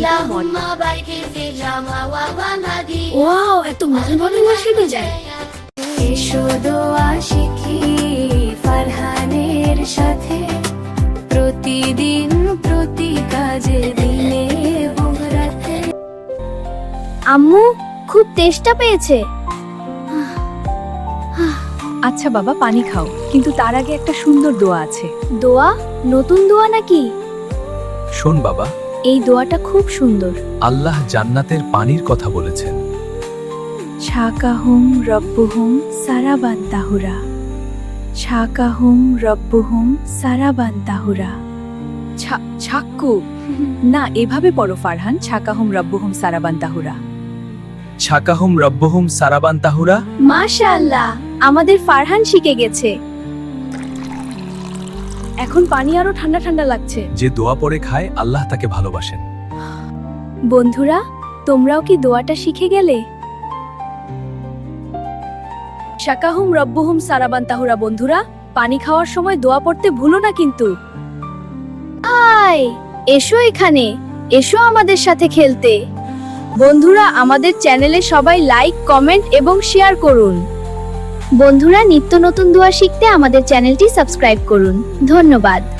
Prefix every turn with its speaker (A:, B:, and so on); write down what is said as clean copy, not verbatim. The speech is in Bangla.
A: ওয়াও, এত মজার মজার শিখে যায়।
B: এসো দোয়া শিখি ফারহানের সাথে, প্রতিদিন প্রতি কাজে দিনে এবং রাতে।
A: আম্মু খুব তেষ্টা পেয়েছে।
C: আচ্ছা বাবা, পানি খাও, কিন্তু তার আগে একটা সুন্দর দোয়া আছে।
A: দোয়া? নতুন দোয়া নাকি?
D: শোন বাবা,
A: এই দোয়াটা খুব সুন্দর।
D: আল্লাহ জান্নাতের পানির কথা বলেছেন।
C: ছাকাহুম রব্বুহুম সারাবান তাহুরা, ছাকাহুম রব্বুহুম সারাবান তাহুরা। ছাক্কু না, এভাবে পড়ো ফারহান, ছাকাহুম রব্বুহুম সারাবান তাহুরা।
D: ছাকাহুম রব্বহুম সারাবান তাহুরা।
A: মাশাআল্লাহ, আমাদের ফারহান শিখে গেছে। এখন পানি আরো ঠান্ডা ঠান্ডা লাগছে।
D: যে দোয়া পড়ে খায় আল্লাহ তাকে ভালোবাসেন।
A: বন্ধুরা, তোমরাও কি দোয়াটা শিখে গেলে? শাকাহুম রব্বুহুম সারাবান তাহুরা। বন্ধুরা, পানি খাওয়ার সময় দোয়া পড়তে ভুলো না কিন্তু। এসো এখানে, এসো আমাদের সাথে খেলতে। বন্ধুরা, আমাদের চ্যানেলে সবাই লাইক, কমেন্ট এবং শেয়ার করুন। বন্ধুরা, নিত্য নতুন দোয়া শিখতে আমাদের চ্যানেলটি সাবস্ক্রাইব করুন। ধন্যবাদ।